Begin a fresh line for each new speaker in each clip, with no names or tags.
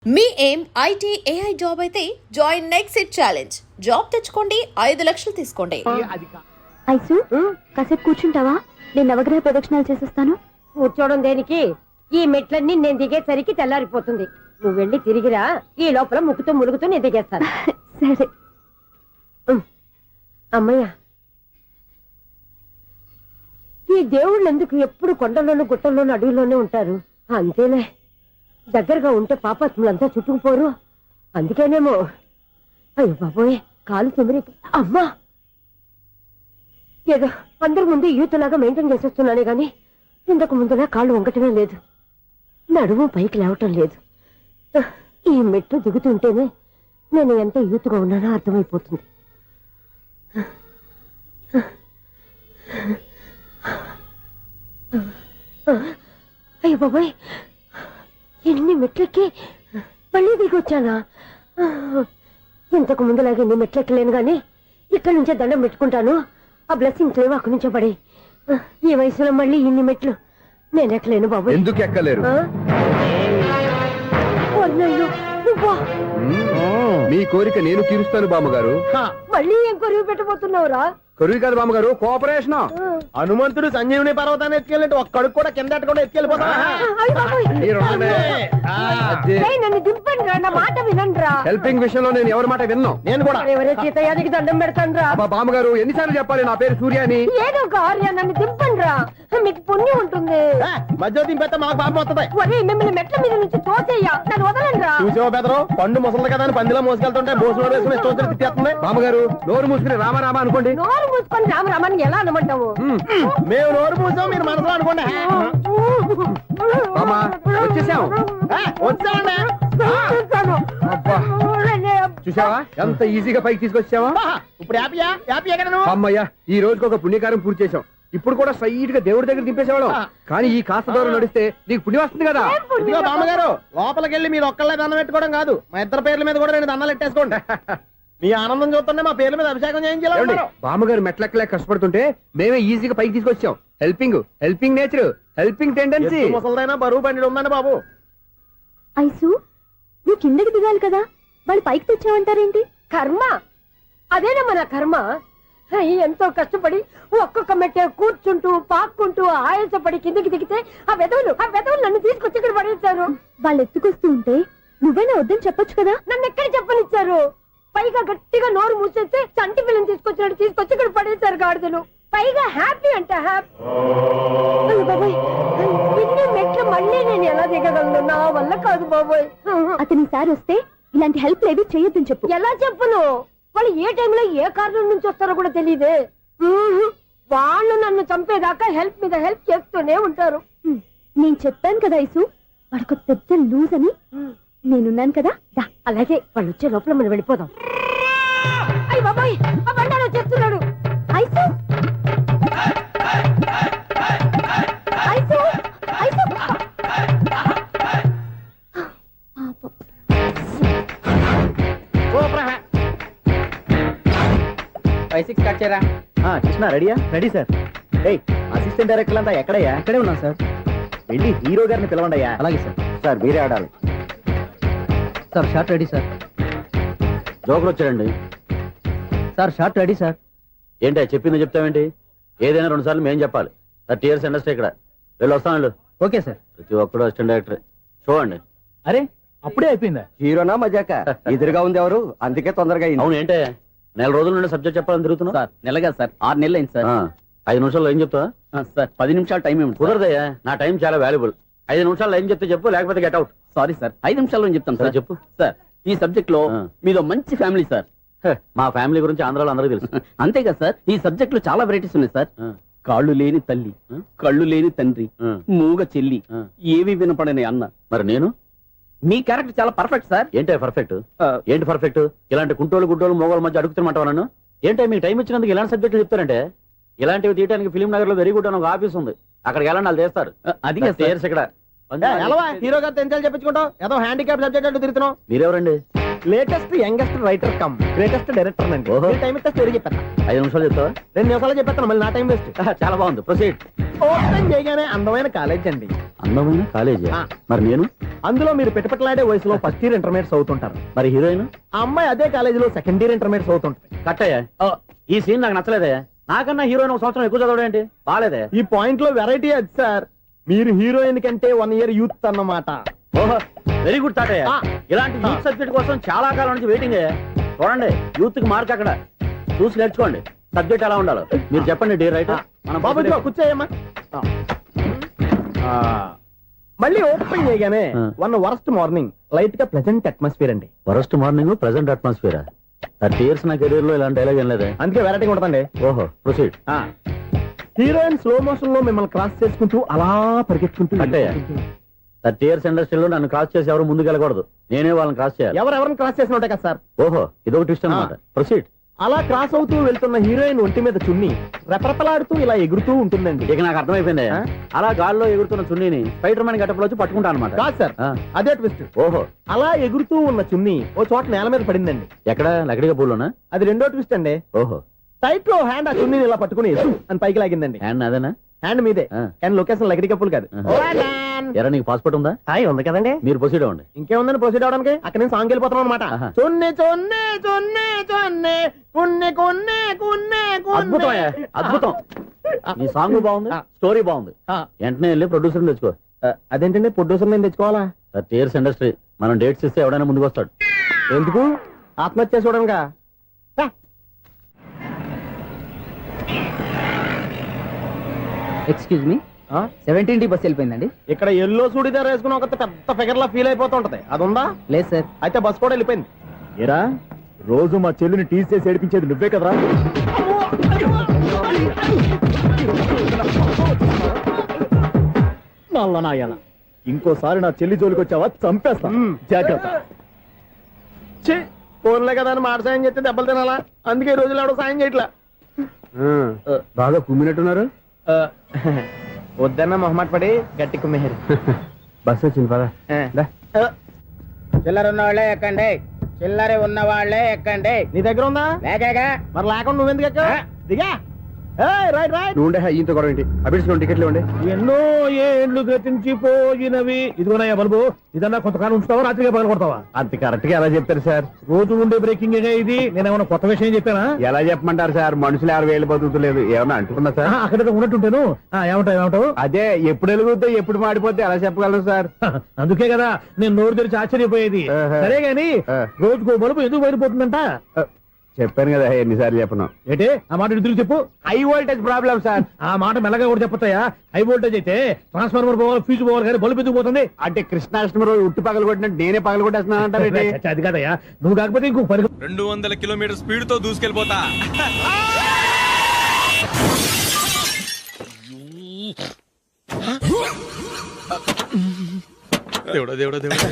మీ ఏం IT AI job అయితే join next it challenge. Job తెచ్చుకోండి, 5 లక్షలు తీసుకోండి.
ఐసు కాసేపు కూర్చుంటావా? నేను నవగ్రహ ప్రదక్షిణాలు చేసేస్తాను.
కూర్చోవడం దేనికి? ఈ మెట్లన్నీ నేను దిగేసరికి తెల్లారిపోతుంది. నువ్వు వెళ్ళి తిరిగిరా, ఈ లోపల ముక్కుతో ములుగుతూ నేను దిగేస్తాను.
సరే
అమ్మయ్య, ఈ దేవుళ్ళు ఎందుకు ఎప్పుడు కొండల్లోనూ గుట్టల్లోనూ అడవిలోనే ఉంటారు? అంతేలే, దగ్గరగా ఉంటే పాపాత్ములంతా చుట్టుకుపోరు. అందుకేనేమో. అయ్యో బాబోయ్, కాలు తిమిరి. అమ్మా, ఏదో అందరి ముందు యూత్లాగా మెయింటైన్ చేసేస్తున్నానే గాని ఇంతకు ముందులా కాళ్ళు వంకటమే లేదు, నడుము పైకి లేవటం లేదు. ఈ మెట్లు దిగుతుంటేనే నేను ఎంత యూత్గా ఉన్నానో అర్థమైపోతుంది. అయ్యో బాబాయ్, ఎన్ని మెట్లెక్కి మళ్ళీ దిగి వచ్చానా? ఇంతకు ముందులాగే ఎన్ని మెట్లెక్కలేను గాని ఇక్కడి నుంచే దండం పెట్టుకుంటాను. ఆ బ్లెస్సింగ్స్ లేవు అక్కడి నుంచే పడి. ఈ వయసులో మళ్ళీ ఇన్ని మెట్లు నేను ఎక్కలేను బాబు.
ఎందుకు ఎక్కలేరు? మీ కోరిక నేను తీరుస్తాను బామ్మగారు.
మళ్ళీ ఏం కొరివి పెట్టబోతున్నావురా?
కొరివి కాదు బామ్మగారు, కోఆపరేషన్.
హనుమంతుడు సంజీవుని పర్వతాన్ని ఎత్తుకెళ్ళి ఒక్కడికి కూడా కింద కూడా ఎత్తుకెళ్ళిపోతా.
నన్ను దింపండి రా, నా మాట వినండిరా.
హెల్పింగ్ విషయంలో నేను ఎవరి మాట విన్నాను.
నేను కూడా
ఎవరే సీతయ్యానికి దండం పెడతాను రా.
బామ్మగారు ఎన్నిసార్లు చెప్పాలి నా పేరు సూర్యాని?
ఏదో ఒక ఆర్య, నన్ను దింపండి రా, మీకు పుణ్యం ఉంటుంది.
మధ్య దింపేస్తే మాకు పాపం వస్తుంది.
ఒరే, మిమ్మల్ని మెట్ల మీద నుంచి తోసేయ్యా, నన్ను వదలండి రా.
చూసావా బెదరు, పండు ముసలి కదా అని పందిలో మోసుకెళ్తుంటే బోసులో వేసుకుని స్తోత్రం తిట్టేస్తుంది.
బామ్మగారు నోరు మూసుకుని రామారామ అనుకోండి.
నోరు మూసుకొని రామరామాన్ని ఎలా అనమంటావు?
మేము నోరు మూసాం, మీరు మనసులో అనుకోండి.
బామ్మ వచ్చేసాం.
వచ్చామండి.
అబ్బా, చూసావా ఎంత ఈజీగా పైకి తీసుకొచ్చావా?
ఇప్పుడు హ్యాపీయా? హ్యాపీ ఎక్కడ నువ్వు?
అమ్మయ్యా, ఈ రోజుకి ఒక పుణ్యకారం పూర్తి చేసాం. ఇప్పుడు కూడా స్ట్రైట్ గా దేవుడి దగ్గర దింపేసేవాళ్ళం. కానీ ఈ కాస్త దూరం నడిస్తే నీకు పుణ్యం వస్తుంది కదా.
ఇదిగో బామ్మగారు, లోపలికి వెళ్ళి మీరు ఒక్కళ్ళే దండం పెట్టుకోవడం కాదు, మా ఇద్దరు పేర్ల మీద కూడా 2 దండాలు ఎట్టేసుకోండి. మీ ఆనందం చూస్తుంటే మా పేర్ల మీద అభిషేకం చేయించాలి.
బామ్మగారు మెట్లెక్కలే కష్టపడుతుంటే మేమే ఈజీగా పైకి తీసుకొచ్చాం. Helping nature, helping tendency.
ముసలిదైనా బరువు బండి ఉందండి బాబు.
ఐసు నువ్వు కిందకి దిగాలి కదా, వాళ్ళు పైకి తెచ్చావంటారేంటి?
కర్మ, అదేనమ్మా నా కర్మ. ఎంతో కష్టపడి ఒక్కొక్క మెట్టే కూర్చుంటూ పాక్కుంటూ ఆయాసపడి కిందకి దిగితే ఆ వెధవులు నన్ను తీసుకొచ్చి ఇక్కడ పడేశారు.
వాళ్ళు ఎత్తుకొస్తూ ఉంటే నువ్వేనా వద్దని చెప్పొచ్చు కదా.
నన్ను ఎక్కడ చెప్పనిచ్చారు? పైగా గట్టిగా నోరు మూసేస్తే చంటి పిల్లని తీసుకొచ్చినట్టు తీసుకొచ్చి ఇక్కడ పడేశారు గాడిదలు. పైగా హ్యాపీ అంటే హ్యాపీ. బాబోయ్, ఇన్ని మెట్లు మళ్ళీ నేను ఎలా దిగగలను? నా వల్ల కాదు బాబోయ్.
అతని సారి వస్తే ఇలాంటి హెల్ప్ లేవి చేయొద్దని చెప్పు.
ఎలా చెప్పును? వాళ్ళు ఏ టైంలో ఏ కారణం నుంచి వస్తారో కూడా తెలియదే. వాళ్ళు నన్ను చంపేదాకా హెల్ప్ మీద హెల్ప్ చేస్తూనే ఉంటారు.
నేను చెప్పాను కదా ఐసు, వాడికి పెద్ద లూజ్ అని. నేనున్నాను కదా.
అలాగే, వాళ్ళు వచ్చే లోపల మనం వెళ్ళిపోదాం. అయ్య బాబాయ్, ఆ బండారు వచ్చేస్తున్నాడు.
ఐసు ఐసు ఐసు
కృష్ణ రెడీయా? Ready sir. అసిస్టెంట్ డైరెక్టర్ అంతా ఎక్కడయ్యా? ఇక్కడే ఉన్నా సార్. వెళ్ళి హీరో గారిని పిలవండి అయ్యా. అలాగే సార్. సార్ మీరే ఆడాలి సార్. Short ready sir. జోకులు వచ్చారండి సార్. Short ready sir. ఏంటి చెప్పింది చెప్తావేంటి? ఏదైనా 2 సార్లు మేం చెప్పాలి. 30 years ఇండస్ట్రీ ఇక్కడ. వెళ్ళి వస్తాను. Okay sir. ప్రతి ఒక్కడు అసిస్టెంట్ డైరెక్టర్. చూడండి. అరే అప్పుడే అయిపోయిందా? హీరోనా మజాక? ఎదురుగా ఉంది ఎవరు, అందుకే తొందరగా. అవును, ఏంటే 4 రోజుల నుండి సబ్జెక్ట్ చెప్పాలని తిరుగుతున్నా సార్. నెలగా సార్, 6 నెలలు అయింది సార్. 5 నిమిషాల్లో ఏం చెప్తా సార్? 10 నిమిషాలు టైం ఏమి కుదరదయ్యా. నా టైం చాలా వాల్యుబుల్. 5 నిమిషాలు ఏం చెప్తే చెప్పు, లేకపోతే గెట్ అవుట్. సారీ సార్, 5 నిమిషాల్లో చెప్తాను సార్. చెప్పు సార్. ఈ సబ్జెక్ట్ లో మీదో మంచి ఫ్యామిలీ సార్. మా ఫ్యామిలీ గురించి ఆంధ్రాలో అందరికీ తెలుసు. అంతేగా సార్, ఈ సబ్జెక్ట్ లో చాలా వెరైటీస్ ఉన్నాయి సార్. కాళ్ళు లేని తల్లి, కళ్ళు లేని తండ్రి, మూగ చెల్లి, ఏవి వినపడని అన్న. మరి నేను మీ క్యారెక్టర్ చాలా పర్ఫెక్ట్ సార్. ఏంటి పర్ఫెక్ట్? ఏంటి పర్ఫెక్ట్? ఇలాంటి కుంటోలు గుడ్డోలు మోగోల మధ్య అడుగుతున్నమాట నన్ను. ఏంటో మీకు టైం ఇచ్చినందుకు ఇలాంటి సబ్జెక్టులు చెప్తారంటే, ఇలాంటివి తీయడానికి ఫిలిం నగర్ లో వెరీ గుడ్ అని ఒక ఆఫీస్ ఉంది. అక్కడికి వెళ్ళండి, వాళ్ళు చేస్తారు. అది ఇక్కడ హీరో గారితో ఎంత చెప్పించుకుంటావు? ఏదో హ్యాండిక్యాప్ సబ్జెక్ట్ అంటూ తిరుగుతున్నావు. మీరెవరండి? Latest youngest writer come greatest director అండి.
ఓహో.
టైం ఇస్తే స్టోరీ చెప్పేస్తా.
5 నిమిషాలు చెప్తావా?
2 నిమిషాలు చెప్పేస్తాను, మళ్ళీ నా టైం వేస్ట్.
చాలా బాగుంది, ప్రొసీడ్.
ఓపెన్ చేయగానే అందమైన కాలేజ్ అండి.
అందమైన కాలేజీ.
ఆ.
మరి నేను?
అందులో మీరు పెట్టుపట్లాడే వయసులో ఫస్ట్ ఇయర్ ఇంటర్మీడియట్స్ అవుతుంటారు.
మరి హీరోయిన్?
ఆ అమ్మాయి అదే కాలేజీలో సెకండ్ ఇయర్ ఇంటర్మీడియట్స్ అవుతుంటది.
కట్టయ్యా. ఈ సీన్ నాకు నచ్చలేదే. నాకన్నా హీరోయిన్ 1 సంవత్సరం ఎక్కువ చదవడం ఏంటి? బాలేదే.
ఈ పాయింట్ లో వెరైటీ అది సార్. మీరు హీరోయిన్ కంటే 1 ఇయర్ యూత్ అన్నమాట.
ఓహో, వెరీ గుడ్ తాతయ్య.
ఆ.
ఇలాంటి యూత్ సబ్జెక్ట్ కోసం చాలా కాలం నుంచి వెయిటింగ్. చూడండి, యూత్ కి మార్క్ అక్కడ. చూసి నేర్చుకోండి సబ్జెక్ట్ ఎలా ఉండాలో. మీరు చెప్పండి డీ రైటర్.
బాబు ఇదిగో కూర్చోయమ్మా. మళ్ళీ ఓపెన్ చేయగానే
ఆ.
1 వరస్ట్ మార్నింగ్ లైట్ గా ప్లెజెంట్ అట్మాస్ఫియర్ అండి.
First morning present atmosphere. 30 years నా కెరీర్ లో ఇలాంటి డైలాగ్ ఏం లేదే.
అందుకే వెరైటీగా ఉంటుందండి.
ఓహో, ప్రొసీడ్.
హీరోయిన్ స్లో మోషన్ లో మిమ్మల్ని క్రాస్ చేసుకుంటూ అలా పరిగెత్తుకుంటూ
అంటే 30 years ఇండస్ట్రీలో నన్ను క్రాస్ చేసి ఎవరు ముందుకు వెళ్ళకూడదు. నేనే వాళ్ళని క్రాస్ చేయాలి.
ఎవరెవరిని క్రాస్ చేసిన ఉంటాయి కదా సార్.
ఓహో, ఇదొక ట్విస్ట్ అన్నమాట. ప్రొసీడ్.
అలా క్రాస్ అవుతూ వెళ్తున్న హీరోయిన్ ఒంటి మీద చున్ని రెపరెపలాడుతూ ఇలా ఎగురుతూ ఉంటుందండి.
ఇక నాకు అర్థమైపోయింది.
ఆ?
అలా గాల్లో ఎగురుతున్న చున్నీని స్పైడర్ మ్యాన్ గెటప్ లో వచ్చి పట్టుకుంటా అనమాట.
కాదు సార్, అదే ట్విస్ట్.
ఓహో,
అలా ఎగురుతూ ఉన్న చున్ని ఓ చోట నేల మీద పడిందండి.
ఎక్కడ? లకడిగా పూలోనా?
అది రెండో ట్విస్ట్ అండి.
ఓహో,
టైట్ లో హ్యాండ్ ఆ చున్నీని ఇలా పట్టుకుని అని పైకి లాగిందండి.
హ్యాండ్ అదేనా?
హ్యాండ్ మీదే,
ఆ.
కానీ లొకేషన్ లగడి కప్పులు కాదు.
ఆహా. ఎరా, నీకు పాస్పోర్ట్ ఉందా?
హాయ్ ఉంది కదండి.
మీరు ప్రొసీడ్ అవ్వండి.
ఇంకేముందని ప్రొసీడ్ అవడానికి అక్కడ నుంచి సాంగ్ వెళ్ళిపోతున్నాం అనమాట.
ఆహా.
చున్ని చున్ని చున్ని చున్ని కున్ని కున్ని కున్ని
అద్భుతం అయ్యా, అద్భుతం. ఈ సాంగ్ బాగుంది, స్టోరీ బాగుంది. వెంటనే వెళ్ళి ప్రొడ్యూసర్ తెచ్చుకో.
అదేంటండి ప్రొడ్యూసర్ నేను తెచ్చుకోవాలా?
30 years ఇండస్ట్రీ. మనం డేట్స్ ఇస్తే ఎవడైనా ముందుకు వస్తాడు.
ఎందుకు? ఆత్మహత్య చూడనుగా.
Excuse me, 17D bus వెళ్ళిపోయిందండి.
ఇక్కడ ఎల్లో చూడిదార్ వేసుకుని ఒక పెద్ద ఫిగర్ లా ఫీల్ అయిపోతుంటది, అది ఉందా?
లేదు సార్.
అయితే బస్ కూడా వెళ్ళిపోయింది. ఏరా, రోజు మా చెల్లిని టీస్ చేసి ఏడిపించేది నువ్వే కదరా? నాయన, ఇంకోసారి నా చెల్లి జోలికి వచ్చావా చంపేస్తా. జాగ్రత్త. ఫోన్లే కదా అని మాట సాయం చేస్తే దెబ్బలు తినాలా? అందుకే ఈ రోజులు ఎవడో సాయం చేయట్లా.
బాగా కుమ్మినట్టున్నారు.
వద్దన్న మొహమాట పడి గట్టి కుమ్మేరు.
బస్ వచ్చింది పద.
చిల్లర ఉన్న వాళ్ళే ఎక్కండి, చిల్లర ఉన్న వాళ్ళే ఎక్కండి.
నీ దగ్గర ఉందా?
లేకగా
మరి లేకుండా నువ్వెందుకు ఎక్కావు? దిగా. Right right.
నువ్వు ఉండే ఇంత గొడవ ఏంటి? అభిడ్చుకోండి, టికెట్లు ఇవ్వండి.
ఎన్నో ఏండ్లు గతించిపోయినవి. ఇదిగోనయ్యా బల్బు, ఇదన్నా కొంతకాలం ఉంచుతావా, రాత్రిగా పగల కొడతావా?
అంత కరెక్ట్ గా ఎలా చెప్తారు సార్?
రోజు ఉండే బ్రేకింగ్ ఇది. నేనేమన్నా కొత్త విషయం చెప్పానా?
ఎలా చెప్పమంటారు సార్? మనుషులు ఎవరు వేలు బతుకుతలేదు, ఏమన్నా అంటున్నా సార్?
అక్కడ ఉన్నట్టుంటాను. ఏమంటావు?
అదే ఎప్పుడు వెలుగుతో ఎప్పుడు మాడిపోతే ఎలా చెప్పగలరు సార్?
అందుకే కదా నేను నోరు తెరిచి ఆశ్చర్యపోయేది.
ఆహా.
సరే గాని
ఆ.
రోజుకో బల్బు ఎందుకు బయటపోతుందంట?
చెప్పాను కదా ఎన్నిసార్లు చెప్పను.
ఏంటి ఆ మాట ఇటు తిరిగి చెప్పు.
High voltage problem sir.
ఆ మాట మెల్లగా కూడా చెప్పొస్తాయా? హై వోల్టేజ్ అయితే ట్రాన్స్ఫార్మర్ పోవాలి, ఫ్యూజ్ పోవాలి, కానీ బల్బు ఎందుకు పోతుంది?
అంటే కృష్ణాష్టమి రోజు ఉట్టి పగలు కొట్టినట్టు నేనే పగలు కొట్టేస్తున్నానంటారు.
అది కాదయ్యా, నువ్వు కాకపోతే ఇంకో
200 కిలోమీటర్ స్పీడ్ తో దూసుకెళ్ళిపోతా. దేవుడా దేవుడా దేవుడా,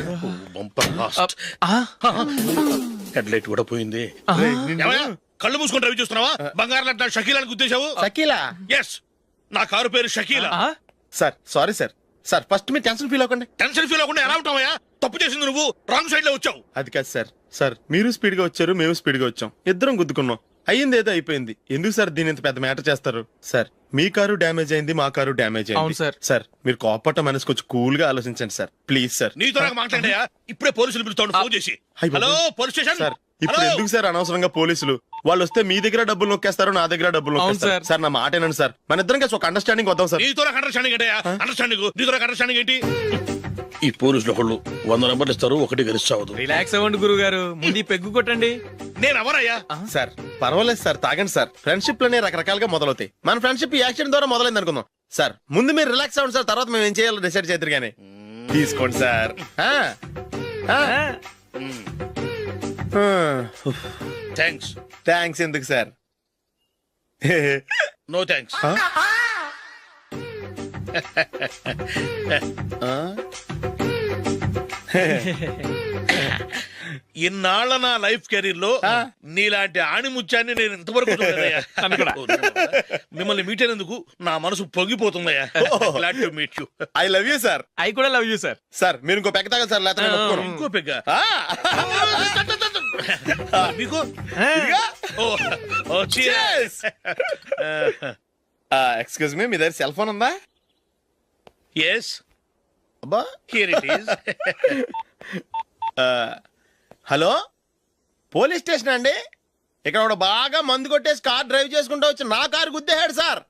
హెడ్ లైట్ కూడా పోయింది. ఏమయ్య, కళ్ళు మూసుకొని రవి చూస్తున్నావా? బంగారం లాంటి నా షకీలాని గుద్దేశావు.
షకీలా?
ఎస్, నా కారు పేరు Shakila.
Sir sorry sir. Sir first మీరు టెన్షన్ ఫీల్ అవ్వకండి.
టెన్షన్ ఫీల్ అవ్వకుండా ఎలా ఉంటావయ్యా? తప్పు చేసింది నువ్వు, రాంగ్ సైడ్ లో వచ్చావు.
అది కాదు సార్. సార్ మీరు స్పీడ్ గా వచ్చారు, మేము స్పీడ్ గా వచ్చాం, ఇద్దరం గుద్దుకున్నాం. అయ్యింది ఏదో అయిపోయింది. ఎందుకు సార్ దీని ఇంత పెద్ద మ్యాటర్ చేస్తారు? సార్ మీ కారు డ్యామేజ్ అయింది, మా కారు డ్యామేజ్ అయింది. సార్ సార్ మీరు కోపట్ట మనసు కొంచెం కూల్ గా ఆలోచించండి సార్, ప్లీజ్ సార్.
నీతో నాకు మాట్లాడాయా? ఇప్పుడే పోలీసులు పిలుస్తాను, ఫోన్ చేసి.
అయ్ బాబోయ్.
Hello police station.
సార్ ఇప్పుడు
హలో?
ఎందుకు సార్ అనవసరంగా పోలీసులు? వాళ్ళు వస్తే మీ దగ్గర డబ్బులు నొక్కేస్తారు, నా దగ్గర డబ్బులు నొక్కేస్తారు. సార్ నా మాట ఏనండి సార్, మన ఇద్దరం కలిసి ఒక అండర్స్టాండింగ్ వద్దాం సార్.
నీతో నాకు అండర్స్టాండింగ్ ఏంటయ్యా? అండర్స్టాండింగ్ నీతో నాకు అండర్స్టాండింగ్ ఏంటి? ఈ పోలీసులు ఒకళ్ళు 100 నెంబర్లు ఇస్తారు, ఒకటి గెలుస్తావు.
రిలాక్స్ అవ్వండి గురువు గారు, ముందు పెగ్గు కొట్టండి.
నేను ఎవరయ్యా?
సార్ పర్వాలేదు సార్, తాగండి సార్. ఫ్రెండ్షిప్ లోనే రకరకాలుగా మొదలవుతాయి. మన ఫ్రెండ్షిప్ ఈ యాక్సిడెంట్ ద్వారా మొదలైంది అనుకుందాం. సార్ ముందు మీరు రిలాక్స్ అవ్వండి సార్, తర్వాత మేము ఏం చేయాలో డిసైడ్ చేద్దరు గానీ. తీసుకోండి సార్.
థ్యాంక్స్.
థ్యాంక్స్ ఎందుకు సార్?
No thanks. ఇన్నాళ్ళ నా లైఫ్ కెరీర్ లో నీలాంటి ఆణిముత్యాన్ని నేను ఇంతవరకు చూడలేదయ్యా. మిమ్మల్ని మీట్ అయినందుకు నా మనసు పొంగిపోతుందయ్యా. Glad to meet you.
I love you sir.
I కూడా లవ్ యూ సార్.
సార్ మీరు ఇంకో పెక్క తాగండి సార్, లేకపోతే నేను ఒప్పుకోను.
ఇంకో పెగ్గ. మీకు ఇదిగా? ఓ, ఓ, cheers.
ఎక్స్క్యూజ్ మీ, మీ దగ్గర సెల్ ఫోన్ ఉందా?
Yes,
అబ్బా.
here it is.
Hello, police station అండి. ఇక్కడ ఒకడు బాగా మందు కొట్టేసి కార్ డ్రైవ్ చేసుకుంటూ వచ్చి నా కారు గుద్దేశాడు సార్.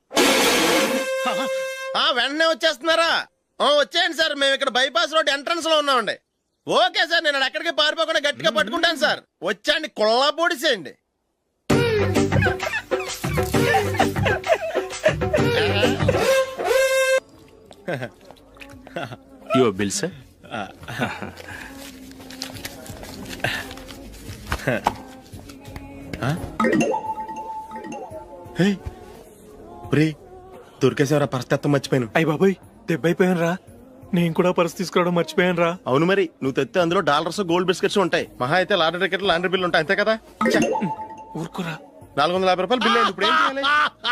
వెంటనే వచ్చేస్తున్నారా? వచ్చేయండి సార్, మేము ఇక్కడ బైపాస్ రోడ్ ఎంట్రన్స్ లో ఉన్నామండి. ఓకే సార్, నేను ఎక్కడికి పారిపోకుండా గట్టిగా పట్టుకుంటాను సార్. వచ్చాండి, కుళ్ళా పొడిసేయండి.
Your bill sir.
దొరికేసేవరా, పరిస్థితి మర్చిపోయాను.
అయ్య బాబాయ్, దెబ్బైపోయాను రా. నేను కూడా పర్స్ తీసుకురావడం మర్చిపోయాను రా.
అవును మరి, నువ్వు తెస్తే అందులో డాలర్స్ గోల్డ్ బిస్కెట్స్ ఉంటాయి. మహా అయితే లాటరీ టికెట్ లాండ్రీ బిల్లు ఉంటాయి, అంతే కదా.
ఊరుకురా.
450 రూపాయలు బిల్లు అయింది. ఇప్పుడు ఏం చేయాలి?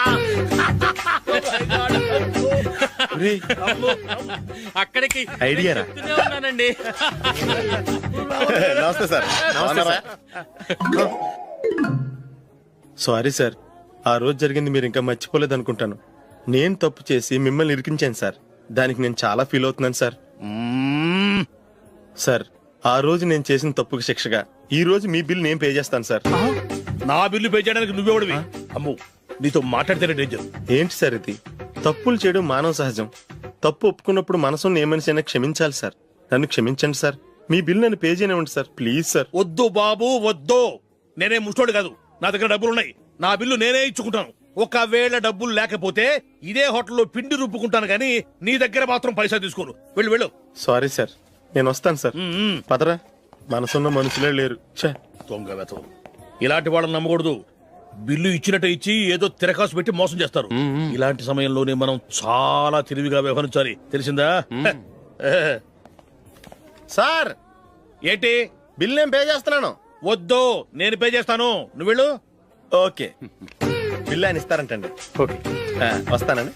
ఒరేయ్,
అక్కడికి
ఐడియా రా.
చెప్తూనే ఉన్నానండి.
నమస్తే సార్. సారీ సార్, ఆ రోజు జరిగింది మీరు ఇంకా మర్చిపోలేదు అనుకుంటాను. నేను తప్పు చేసి మిమ్మల్ని ఇరికించాను సార్. దానికి నేను చాలా ఫీల్ అవుతున్నాను సార్. సార్, ఆ రోజు నేను చేసిన తప్పుకి శిక్షగా ఈ రోజు మీ బిల్ నేను పే చేస్తాను సార్.
నా బిల్లు పే చేయడానికి నువ్వెవడివి? అమ్ము, నీతో మాట్లాడితేనే డేంజర్.
ఏంటి సార్ ఇది? తప్పులు చేయడం మానవ సహజం. తప్పు ఒప్పుకున్నప్పుడు మనసుని ఏ మనిషి అయినా క్షమించాలి సార్. నన్ను క్షమించండి సార్. మీ బిల్ నన్ను పే చేయనివ్వండి సార్, ప్లీజ్ సార్.
వద్దు బాబు, వద్దు. నేనే ముష్టోడు కాదు, నా దగ్గర డబ్బులు ఉన్నాయి. నా బిల్లు నేనే ఇచ్చుకుంటాను. ఒకవేళ డబ్బులు లేకపోతే ఇదే హోటల్లో పిండి రుబ్బుకుంటాను, కానీ నీ దగ్గర మాత్రం పైసా తీసుకోను. వెళ్ళు వెళ్ళు.
సారీ సార్, నేను వస్తాను సార్. పదరా, మనసున్న మనుషులే లేరు. ఛే,
దొంగ వెతవు. ఇలాంటి వాళ్ళని నమ్మకూడదు. బిల్లు ఇచ్చినట్టు ఇచ్చి ఏదో తిరకాసు పెట్టి మోసం చేస్తారు. ఇలాంటి సమయంలోనే మనం చాలా తెలివిగా వ్యవహరించాలి, తెలిసిందా?
సార్,
ఏంటి?
బిల్ నేను పే చేస్తున్నాను.
వద్దు, నేను పే చేస్తాను, నువ్వు వెళ్ళు.
ఓకే, బిల్ ఆయన ఇస్తారంటండి.
ఓకే,
వస్తానండి.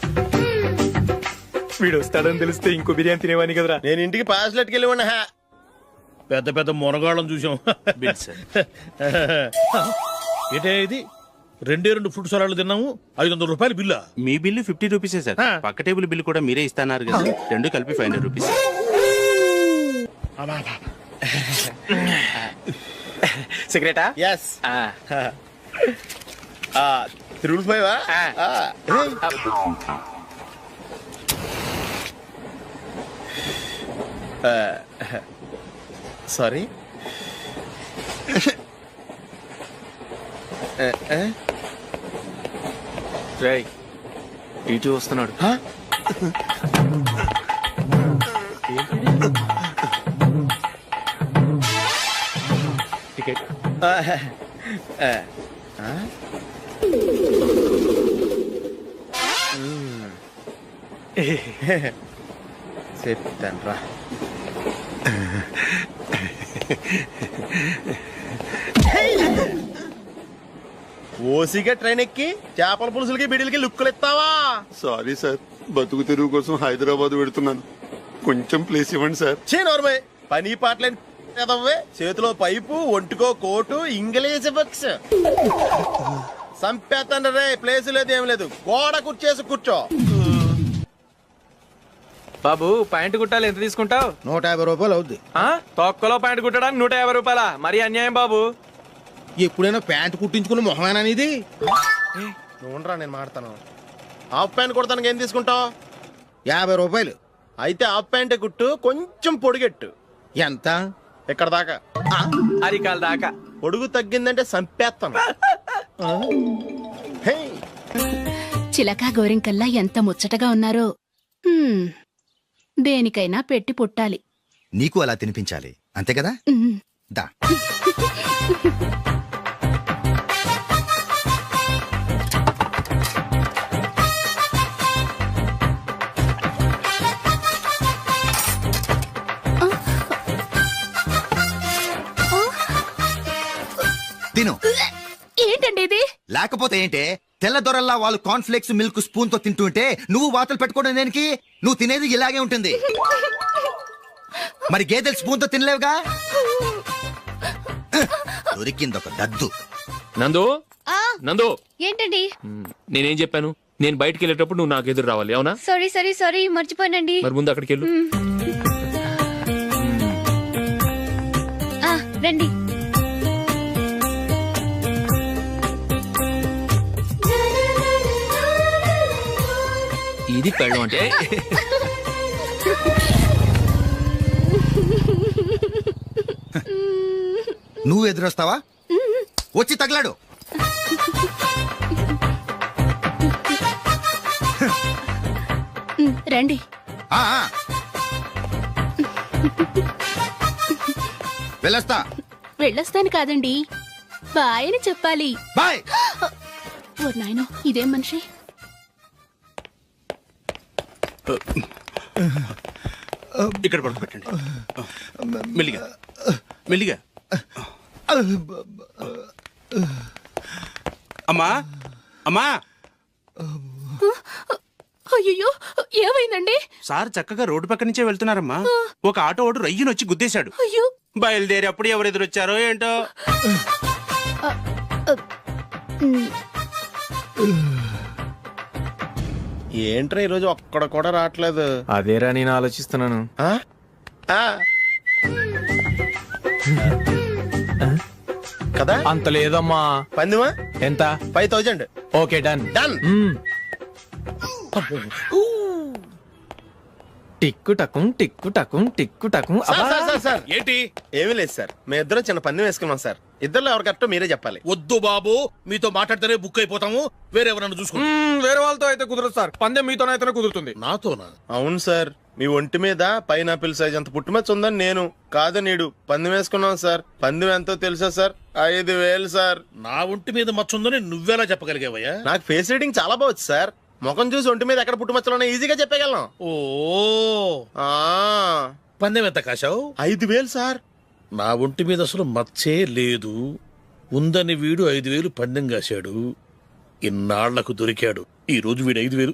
వీడు వస్తాడని తెలిస్తే ఇంకో బిర్యానీ తినేవాని కదరా.
నేను ఇంటికి పాస్లెట్కి వెళ్ళి ఉన్నా.
పెద్ద పెద్ద మునగాళ్ళం చూసాం.
Bill sir.
ఏంటే ఇది? 2 ఫ్రూట్ సలాడ్లు తిన్నాము, 500 రూపాయలు బిల్లా?
మీ బిల్లు 50 రూపీసే సార్. పక్క టేబుల్ బిల్లు కూడా మీరే ఇస్తాన్నారు కదా. రెండు కలిపి 500 రూపీస్. సిగరెటా?
ఎస్. 355. సారీ.
రేయ్, ఇటు వస్తున్నాడు. టికెట్.
చెప్తాను రా. ఓసిగా ట్రైన్ ఎక్కి చేపల పులుసులకి బిడిలకి లుక్కులు ఇస్తావా?
సారీ సార్, బతుకు తెరువు కోసం హైదరాబాద్ పెడుతున్నాను. కొంచెం ప్లేస్ ఇవ్వండి సార్.
నోర్మే, పని పాటలేని ఎదవ్వే. చేతిలో పైపు, ఒంటికో కోటు, ఇంగ్లీష్ బుక్స్. సంపేతండ్రి రే, ప్లేస్ లేదు ఏం లేదు. గోడ కుర్చేసి కూర్చో.
బాబు, ప్యాంటు కుట్టాలి, ఎంత తీసుకుంటావు?
150 రూపాయలు అవుద్ది.
తొక్కలో ప్యాంటు కుట్టడానికి 150 రూపాయల? మరి అన్యాయం బాబు.
ఎప్పుడైనా ప్యాంట్ కుట్టించుకున్న మొహమేనా ఇది?
నువ్వురా, నేను మాడతాను. హాఫ్ ప్యాంట్ కుడతానికి ఏం తీసుకుంటావు?
50 రూపాయలు.
అయితే హాఫ్ ప్యాంటే కుట్టు, కొంచెం పొడిగెట్టు.
ఎంత?
ఎక్కడ దాకా?
అరికాల దాకా.
పొడుగు తగ్గిందంటే సంపేస్తాను. హే,
చిలకా గోరింకల్లా ఎంత ముచ్చటగా ఉన్నారో. దేనికైనా పెట్టి పుట్టాలి.
నీకు అలా తినిపించాలి, అంతే కదా? దా. తిను.
ఏంటండి ఇది?
లేకపోతే ఏంటే, తెల్ల దొరల్లా వాళ్ళు కార్న్ఫ్లేక్స్ మిల్క్ స్పూన్ తో తింటుంటే నువ్వు వాతలు పెట్టుకోవడం దేనికి? నువ్వు తినేది ఇలాగే ఉంటుంది. మరి గేదెలు స్పూన్ తో తినలేవుగా. దొరికింది ఒక దద్దు.
నందు నందు
ఏంటండి?
నేనేం చెప్పాను? నేను బయటికి వెళ్ళేటప్పుడు నువ్వు నాకు ఎదురు రావాలి, అవునా?
సారీ మర్చిపోయానండి.
మరి ముందు అక్కడికి వెళ్ళు.
రండి.
ఇది పెళ్ళం అంటే
నువ్వు ఎదురొస్తావా? వచ్చి తగలాడు.
రండి.
ఆ, ఆ. వెళ్ళొస్తా.
వెళ్ళొస్తాను కాదండి, బాయ్ అని చెప్పాలి.
బాయ్.
ఓ నాయనో, ఇదేం మనిషి?
ఇక్కడ పడుకోబెట్టండి. మెల్లిగా మెల్లిగా. అమ్మా అమ్మా.
అయ్యో, ఏమైందండి?
సార్ చక్కగా రోడ్డు పక్క నుంచే వెళ్తున్నారమ్మా. ఒక ఆటో ఓడు రయ్యనొచ్చి గుద్దేశాడు.
అయ్యో.
బయలుదేరి అప్పుడు ఎవరు ఎదురొచ్చారో ఏంటో.
ఏంట్రా ఈరోజు ఒక్కడ కూడా రావట్లేదు?
అదేరా నేను ఆలోచిస్తున్నాను.
ఆ? ఆ. కదా
అంత లేదమ్మా.
పందిమా
ఎంత?
5000.
Okay, done.
డన్.
టిక్కు టకుం టిక్కు టకుం టిక్కు టకుం.
సార్
ఏంటి?
ఏమీ లేదు సార్, మేము ఇద్దరం చిన్న పందెం వేసుకున్నాం సార్. ఇద్దరు ఎవరు కరెక్టో మీరే చెప్పాలి.
వద్దు బాబు, మీతో మాట్లాడితేనే బుక్ అయిపోతాము. వేరెవరన్నా చూసుకోండి.
వేరే వాళ్ళతో అయితే కుదరదు సార్, పందెం మీతోనైతేనే కుదురుతుంది.
నాతోనా?
అవును సార్, మీ ఒంటి మీద పైనాపిల్ సైజ్ అంత పుట్టుమచ్చ ఉందని నేను కాదు నీడు పందెం వేసుకున్నాం సార్. పందెం ఎంతో తెలుసా సార్? 5000 సార్.
నా ఒంటి మీద మచ్చ ఉందని నువ్వెలా చెప్పగలిగావయ్యా?
నాకు ఫేస్ రీడింగ్ చాలా బాగుంది సార్. ముఖం చూసి ఒంటి మీద ఎక్కడ పుట్టుమచ్చలో ఈజీగా చెప్పగలను.
ఓ,
ఆ,
పందెం ఎంత కాశావు?
5000 సార్.
నా ఒంటి మీద అసలు మచ్చే లేదు. ఉందని వీడు 5000 పందెం కాశాడు. ఇన్నాళ్లకు దొరికాడు. ఈ రోజు వీడు 5000.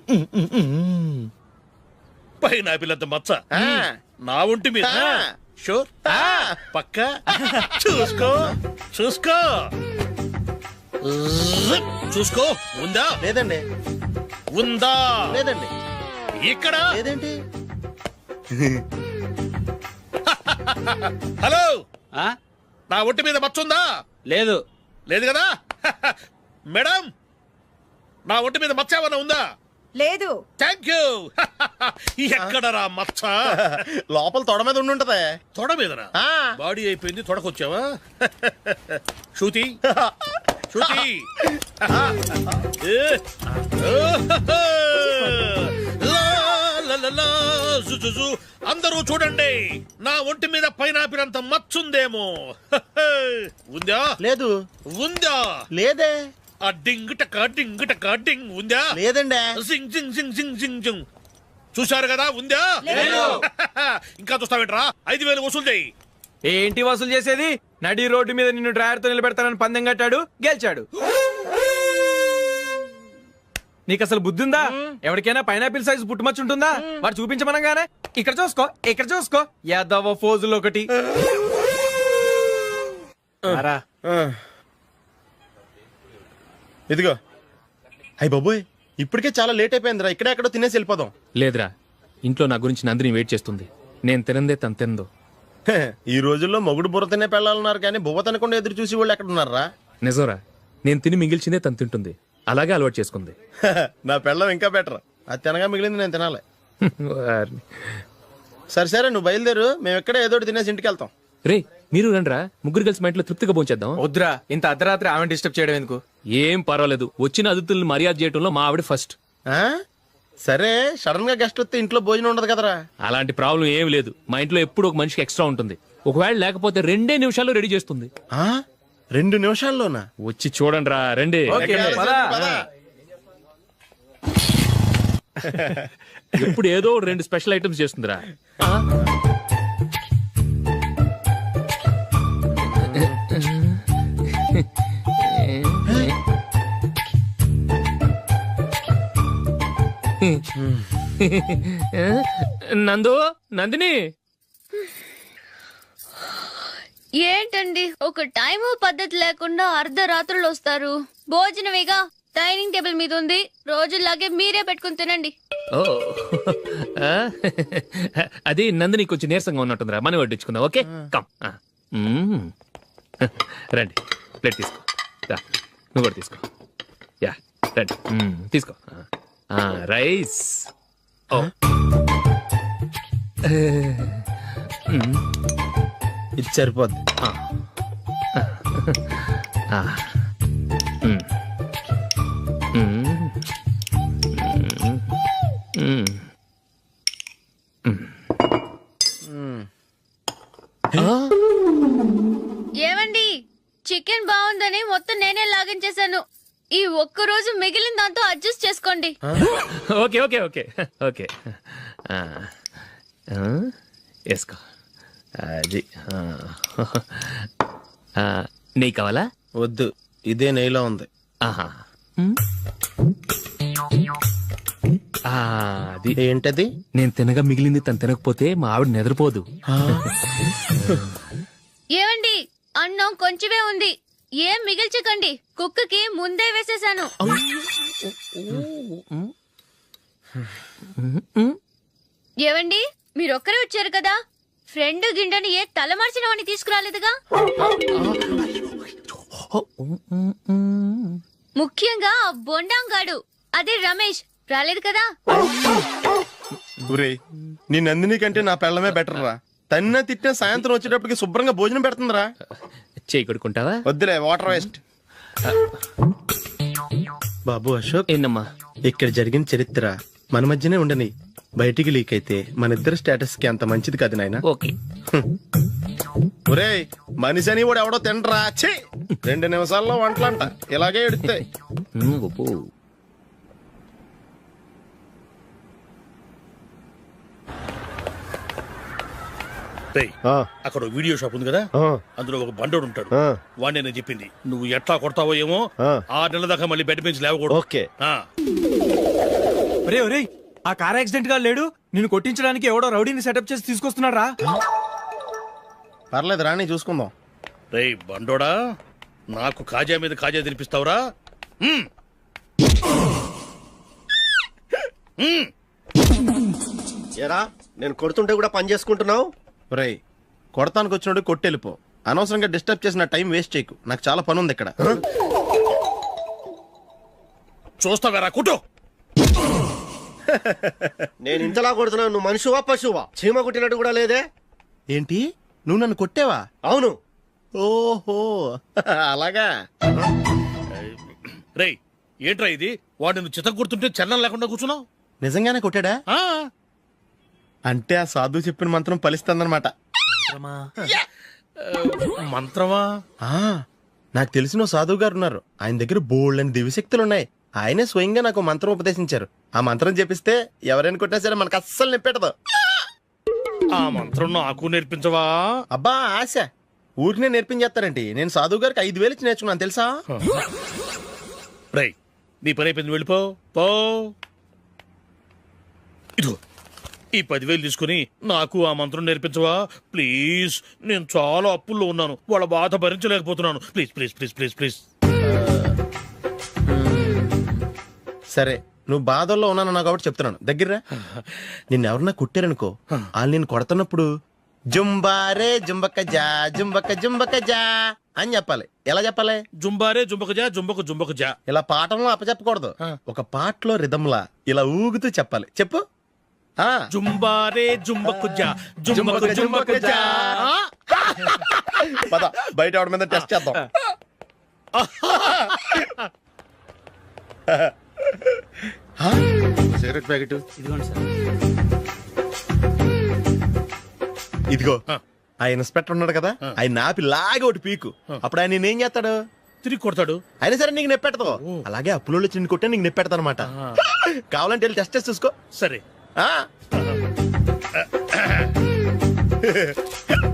పైన పిల్లంత మచ్చ నా ఒంటి మీద. షూర్, పక్క. చూసుకో చూసుకో చూసుకో. ఉందా?
లేదండి.
ఉందా?
లేదండి.
ఇక్కడ
లేదేంటి?
హలో, నా ఒంటి మీద మచ్చ ఉందా?
లేదు.
లేదు కదా? మేడం, నా ఒంటి మీద మచ్చ ఏమన్నా ఉందా?
లేదు.
Thank you. ఎక్కడరా మచ్చ?
లోపల తొడ మీద ఉండుంటదే.
తొడ మీదనా?
ఆ.
బాడీ అయిపోయింది, తొడకొచ్చావా? శృతి శృతి. అందరూ చూడండి, నా ఒంటి మీద పైనాపిల్ అంత మచ్చుందేమో. ఉందా?
లేదు.
ఉందా?
లేదే.
ఆ డింగ్ టక డింగ్ టక డింగ్ ఉందా?
లేదండి.
జింగ్ జింగ్ జింగ్ జింగ్ జింగ్ జింగ్. చూశారు కదా? ఉందా? ఇంకా చూస్తావేంట్రా? 5000 వసూలు చేయి.
ఏంటి వసూలు చేసేది? నడి రోడ్డు మీద నిన్ను డ్రైవర్ తో నిలబెడతానని పందెం కట్టాడు, గెలిచాడు. నీకు అసలు బుద్ధి ఉందా? ఎవరికైనా పైనాపిల్ సైజ్ పుట్టుమచ్చు ఉంటుందా? వాడు చూపించమనగానే ఇక్కడ చూసుకో, ఇక్కడ చూసుకో, యాదవ ఫోజులు ఒకటి.
ఇదిగో. అయ్య బాబోయ్, ఇప్పటికే చాలా లేట్ అయిపోయిందిరా. ఇక్కడే ఎక్కడో తినేసి వెళ్ళిపోదాం.
లేదురా, ఇంట్లో నా గురించి నందిని వెయిట్ చేస్తుంది. నేను తినందే తను తిందో.
ఈ రోజుల్లో మొగుడు బుర్ర తినే పెళ్ళాలన్నారు కానీ బువ్వ తినకుండా ఎదురు చూసి వాళ్ళు ఎక్కడ ఉన్నారా?
నిజంరా, నేను తిని మిగిల్చిందే తను తింటుంది. అలాగే అలవాటు చేసుకుంది.
నా పెళ్ళం ఇంకా బెటర్. అది తినగా మిగిలింది నేను తినాలి. సరే సరే, నువ్వు బయలుదేరు. మేము ఎక్కడ ఏదో ఒకటి తినేసి ఇంటికి వెళ్తాం.
రే, మీరు రండ్రా, ముగ్గురు కలిసి మా ఇంట్లో తృప్తిగా పోంచేద్దాం.
వద్దురా, ఇంత అర్ధరాత్రి ఆమె డిస్టర్బ్ చేయడం ఎందుకు?
ఏం పర్వాలేదు, వచ్చిన అతిథుల్ని మర్యాద చేయడంలో మా ఆవిడ ఫస్ట్.
ఆ? సరే, సడన్ గా గెస్ట్ వస్తే ఇంట్లో భోజనం ఉండదు కదరా?
అలాంటి ప్రాబ్లం ఏం లేదు. మా ఇంట్లో ఎప్పుడు ఒక మనిషికి ఎక్స్ట్రా ఉంటుంది. ఒకవేళ లేకపోతే 2 నిమిషాల్లో రెడీ చేస్తుంది.
2 నిమిషాల్లోనా?
వచ్చి చూడండి రా, రండి. ఇప్పుడు ఏదో 2 స్పెషల్ ఐటమ్స్ చేస్తుందిరా. నందు, నందిని,
ఏంటండి ఒక టైము పద్ధతి లేకుండా అర్ధరాత్రులు వస్తారు. భోజనమేగా డైనింగ్ టేబుల్ మీద ఉంది. రోజులాగే మీరే పెట్టుకుని తినండి.
ఓ ఆ, అది నందిని కొంచెం నీరసంగా ఉన్నట్టుందిరా, మనం వడ్డించుకుందాం. Okay come. రండి, ప్లేట్ తీసుకో. రా, నువ్వు కూడా తీసుకో. యా రండి, తీసుకో. రైస్. ఓ
ఇది సరిపోద్ది.
ఏమండి, చికెన్ బాగుందని మొత్తం నేనే లాగించేశాను. ఈ ఒక్క రోజు మిగిలిన దాంతో అడ్జస్ట్ చేసుకోండి.
ఓకే ఓకే ఓకే ఓకే వేసుకో. అది నెయ్యి కావాలా?
వద్దు, ఇదే నెయ్యిలో ఉంది.
ఆహా. అది
ఏంటది?
నేను తినగా మిగిలింది తను తినకపోతే మా ఆవిడ నిద్రపోదు.
ఏమండి, అన్నం కొంచెమే ఉంది, ఏం మిగిల్చకండి. కుక్కకి ముందే వేసేసాను. ఏవండి, మీరొక్కరే వచ్చారు కదా, ఫ్రెండ్ గిండెని ఏ తలమార్చిన వాడిని తీసుకురాలేదుగా. ముఖ్యంగా ఆ బొండాంగాడు, అదే రమేష్, రాలేదు కదా.
ఊరే, నీ నందిని కంటే నా పెళ్ళమే బెటర్ రా. తన్న తిట్టిన సాయంత్రం వచ్చేటప్పటికి శుభ్రంగా భోజనం పెడుతుందిరా.
చేయి కొడుకుంటావా?
వద్దులే, వాటర్ వేస్ట్. బాబు అశోక్,
ఏంటమ్మా?
ఇక్కడ జరిగిన చరిత్ర మన మధ్యనే ఉండని, బయటికి లీక్ అయితే మన ఇద్దరు స్టేటస్ కి అంత మంచిది కాదు నాయన.
ఓకే.
ఒరే, మనిషి అని కూడా ఎవడో తినరా. 2 నిమిషాల్లో వంటలంట, ఇలాగే ఎడితే.
అక్కడ వీడియో షాప్ ఉంది కదా, అందులో ఒక బండోడు ఉంటాడు. వాడిని నేను చెప్పింది, నువ్వు ఎట్లా కొడతావో ఏమో, 6 నెలల దాకా మళ్ళీ బెడ్ నుంచి లేవకూడదు.
ఓకే.
ఒరే ఒరే, ఆ కార్ యాక్సిడెంట్ గా లేడు, నిన్ను కొట్టించడానికి ఎవడో రౌడీని సెటప్ చేసి తీసుకొస్తున్నాడు రా.
పర్లేదు రాని, చూసుకుందాం.
రేయ్ బండోడా, నాకు కాజా మీద కాజా తినిపిస్తావురా?
ఏరా, నేను కొడుతుంటే కూడా పని చేసుకుంటున్నావు?
ఒరే, కొడతానికి వచ్చినోడు కొట్టెళ్ళిపో. అనవసరంగా డిస్టర్బ్ చేసిన టైం వేస్ట్ చేయకు, నాకు చాలా పని ఉంది ఇక్కడ.
చూస్తావేరా కుట్టు.
నేను ఇంతలా కొడుతున్నావు, నువ్వు మనిషివా పశువా? చీమ కుట్టినట్టు కూడా లేదే.
ఏంటి, నువ్వు నన్ను కొట్టేవా?
అవును.
ఓహో అలాగా.
రేయ్ ఏంట్రా ఇది, వాడు నువ్వు చిత్త గుర్తుంటే చలనం లేకుండా కూర్చున్నావు.
నిజంగానే కొట్టాడా? అంటే ఆ సాధువు చెప్పిన మంత్రం ఫలిస్తుందన్నమాట.
మంత్రమా?
నాకు తెలిసిన సాధువు గారు ఉన్నారు, ఆయన దగ్గర బోల్డని దివ్యశక్తులు ఉన్నాయి. ఆయనే స్వయంగా నాకు మంత్రం ఉపదేశించారు. ఆ మంత్రం చెప్పిస్తే ఎవరైనా కొట్టినా సరే మనకు అస్సలు నిప్పెట్టదు.
ఆ మంత్రం నాకు నేర్పించవా?
అబ్బా ఆశ, ఊరినే నేర్పించేస్తారంటే. నేను సాధువు గారికి 5,000 ఇచ్చి నేర్చుకున్నాను తెలుసా.
రేయ్ నీ పని అయిపోయింది, వెళ్ళిపో పో. ఇదిగో ఈ 10,000 తీసుకుని నాకు ఆ మంత్రం నేర్పించవా ప్లీజ్. నేను చాలా అప్పుల్లో ఉన్నాను, వాళ్ళ బాధ భరించలేకపోతున్నాను. Please please please please please.
సరే, నువ్వు బాధల్లో ఉన్నాను నాకు కాబట్టి చెప్తున్నాను. దగ్గర నిన్నెవరన్నా కుట్టారనుకో, వాళ్ళు నేను కొడుతున్నప్పుడు జుంబారే జుంబక జా జుంబక జుంబక జా అని చెప్పాలి. ఎలా చెప్పాలి?
జుంబారే జుంబక జా జుంబక జుంబక జా.
ఇలా పాఠంలో అప్పచెప్పకూడదు, ఒక పాటలో రిధంలా ఇలా ఊగుతూ చెప్పాలి. చెప్పు.
జుంబారే జుంబకు జా జుంబకు జుంబకు జా.
పద బయట ఆవిడ మీద టెస్ట్ చేద్దాం. సిగరెట్ ప్యాకెట్ ఇదిగో. ఆ ఇన్స్పెక్టర్ ఉన్నాడు కదా, ఆయన ఆపి లాగే ఒకటి పీకు. అప్పుడు ఆయన నేనేం చేస్తాడు?
తిరిగి కొడతాడు.
అయినా సరే నీకు నెప్పెడతావు. అలాగే అప్పులో చిన్న కొట్టే నీకు నెప్పెడతా అనమాట. కావాలంటే వెళ్ళి టెస్ట్ చేసి చూసుకో.
సరే.